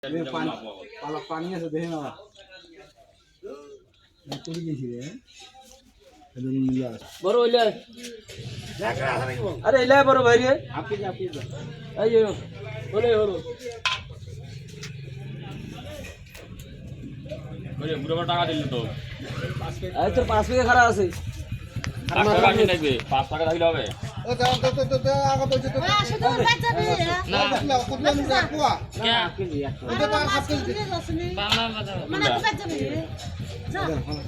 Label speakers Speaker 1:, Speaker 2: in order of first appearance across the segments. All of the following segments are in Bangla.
Speaker 1: পানি আছে দেখে না চলে গেছি রে
Speaker 2: বড় হইলে আরে এলাই বড় ভাই রে
Speaker 1: আপনি
Speaker 2: এই হলে হলো
Speaker 3: ওরে বুড়ো টাকা দিল তো
Speaker 2: এই তোর 5 টাকা খারাপ আছে
Speaker 3: 5 টাকা কি লাগবে 5 টাকা দিলে হবে
Speaker 1: ও দাও তো আগা বলছে তো
Speaker 4: শুধু বাচ্চাবে
Speaker 1: না কোন না কুয়া
Speaker 3: কে
Speaker 1: ওটা তো আর হাত দিতে
Speaker 3: বাংলা কথা
Speaker 4: মানে বাচ্চাবে যা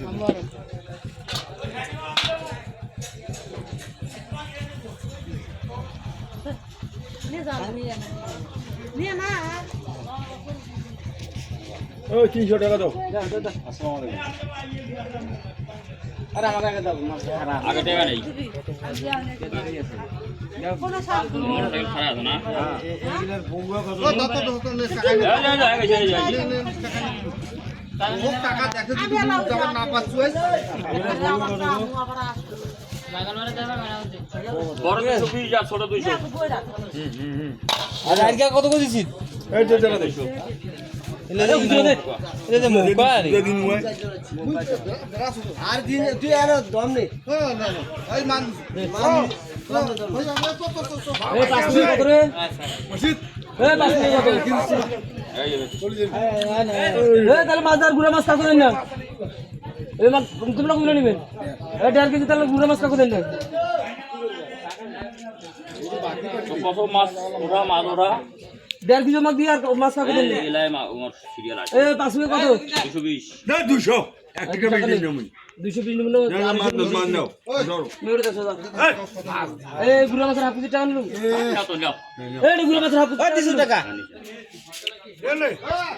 Speaker 4: নিয়ে না
Speaker 1: ও 300 টাকা দাও
Speaker 2: আসসালামু আলাইকুম আরে আমার আগে দাও খারাপ
Speaker 3: আগে টাকা নেই
Speaker 4: কোন সাল
Speaker 3: মোটরসাইকেল খারাপ আছে না
Speaker 1: এইগুলার বউয়া কত
Speaker 3: এই
Speaker 1: ও টাকা দেখে যদি যখন না পাচ্ছু
Speaker 3: বড় 220 আর ছোট 200
Speaker 2: আরে আর কত কইছিস
Speaker 1: এই যে টাকা দিছো
Speaker 2: এটা মুকা রে
Speaker 1: দিন হয়
Speaker 2: আর দিন তুই আর দম নেই
Speaker 1: না এই মান
Speaker 2: এই 5 টাকা কত রে
Speaker 1: মসজিদ
Speaker 2: এই 5 টাকা কত
Speaker 3: এই
Speaker 2: তাহলে মাছ আর গুড়া মাছ কাকু দেন না এই মাছ তোমরা কোন নেবেন এই 1.5 কেজি তাহলে গুড়া মাছ কাকু দেন না
Speaker 3: কত মাছ ওরা মাছ ওরা
Speaker 2: 1.5 কেজি মাছ দিয়ে আর মাছ কাকু দেন না
Speaker 3: এলাই আমার সিরিয়াল আছে
Speaker 2: এই 5 টাকা কত
Speaker 3: 220
Speaker 1: না 200 এক টাকা বেশি নেই আমি
Speaker 2: 220 নেবেন
Speaker 1: না মান দাও ধরো
Speaker 2: মেরে দাও এই গুড়া মাছের হাফ কেজি টাকা নিলুম
Speaker 3: না তো নাও
Speaker 2: এই গুড়া মাছের হাফ কেজি 200 টাকা
Speaker 1: এলে